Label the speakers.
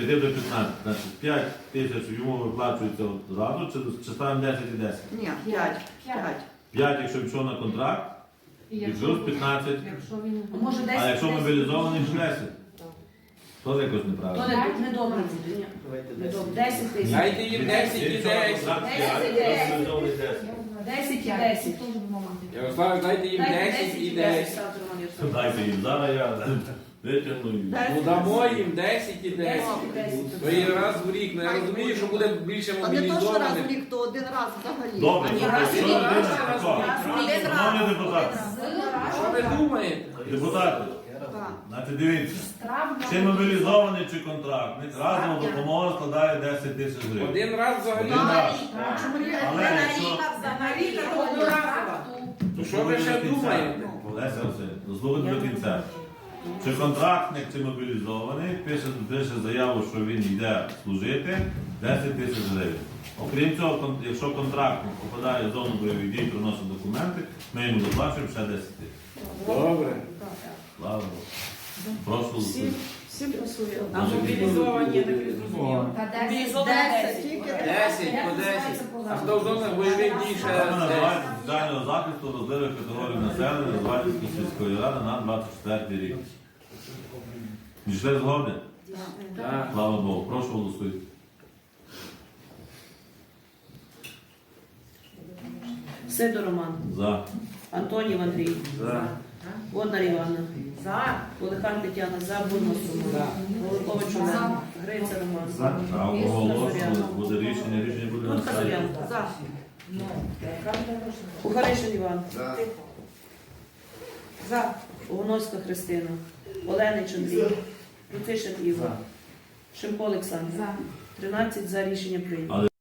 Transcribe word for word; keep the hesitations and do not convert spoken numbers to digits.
Speaker 1: п'яти до п'ятнадцяти. Значить, п'ять тисяч йому виплачується одразу, чи, чи ставимо десять і десять?
Speaker 2: Ні, п'ять.
Speaker 3: П'ять.
Speaker 1: п'ять, якщо пішов на контракт,
Speaker 3: І
Speaker 1: і плюс п'ятнадцять.
Speaker 3: Якщо він...
Speaker 2: Може,
Speaker 1: А
Speaker 2: десять.
Speaker 1: якщо мобілізований, то десять. То якось
Speaker 2: То
Speaker 1: неправильно.
Speaker 2: не, не добре буде, ні. Не добре. десять тисяч.
Speaker 4: Дайте їм десять і
Speaker 1: Якщо на
Speaker 4: десять.
Speaker 1: контракт
Speaker 2: Десять,
Speaker 1: п'ять,
Speaker 2: десять.
Speaker 1: мобілізований десять.
Speaker 2: десять і десять.
Speaker 4: Ярослав, дайте їм десять і десять.
Speaker 2: Ставте, Роман Ярославович.
Speaker 1: Дайте їм, зараз я витягну і...
Speaker 4: Ну дамо їм десять і десять.
Speaker 2: десять і
Speaker 4: То
Speaker 2: десять.
Speaker 4: є раз в рік. Ну я розумію, що буде більше
Speaker 5: А не то, що раз в
Speaker 4: мобілізованих.
Speaker 5: рік, то один раз взагалі.
Speaker 1: Добре,
Speaker 2: А ні,
Speaker 1: добре,
Speaker 2: раз
Speaker 1: що
Speaker 2: і
Speaker 1: людина,
Speaker 2: раз,
Speaker 1: тако?
Speaker 5: Один раз.
Speaker 1: Шановні депутати,
Speaker 4: Що ви думаєте?
Speaker 1: депутати,
Speaker 5: Так.
Speaker 1: значить дивіться,
Speaker 3: Травма.
Speaker 1: чи мобілізований, чи контрактник, разом допомога складає десять тисяч гривень.
Speaker 4: Один раз взагалі.
Speaker 1: Один раз.
Speaker 5: Чому рік?
Speaker 1: Але якщо...
Speaker 2: Взагалі, то одноразово.
Speaker 4: То що ви ще думаєте?
Speaker 1: Леся Васильівна, дослухайте до кінця. Чи контрактник, чи мобілізований, пише, пише заяву, що він йде служити, десять тисяч гривень. Окрім цього, кон- якщо контрактник попадає в зону бойових дій, приносить документи, ми йому доплачуємо ще десять тисяч.
Speaker 4: Добре.
Speaker 1: Слава Богу. Прошу.
Speaker 2: Всім, всім пасує.
Speaker 4: А мобілізовані, я так і зрозумів.
Speaker 3: Та десять.
Speaker 2: Мобілізовані
Speaker 5: Десять.
Speaker 2: десять.
Speaker 4: Десять по десять. А хто в зонах бойових дій ще
Speaker 1: Це
Speaker 4: десять?
Speaker 1: називається соціального захисту розливих категорій населення Звальської сільської ради на двадцять четвертий рік. Дійшли згоди?
Speaker 4: Так.
Speaker 1: Слава Богу. Прошу голосуйте.
Speaker 2: Сидор Роман.
Speaker 1: За.
Speaker 2: Антонів Андрій.
Speaker 4: За.
Speaker 2: Воднар Іванна.
Speaker 3: За.
Speaker 2: Олехан Тетяна. За. Бурмас Роман. Голикович Олег. Гриця Роман.
Speaker 1: А оголошено буде рішення, рішення буде на
Speaker 2: Тут
Speaker 1: сайті.
Speaker 2: Казарян.
Speaker 5: За.
Speaker 2: Кухаришин Іван.
Speaker 4: За.
Speaker 2: За. Огоновська Христина. Оленич Андрій. Рутишин Ігор. Шимко Олександр.
Speaker 3: За.
Speaker 2: тринадцять за рішення прийнято.
Speaker 1: Але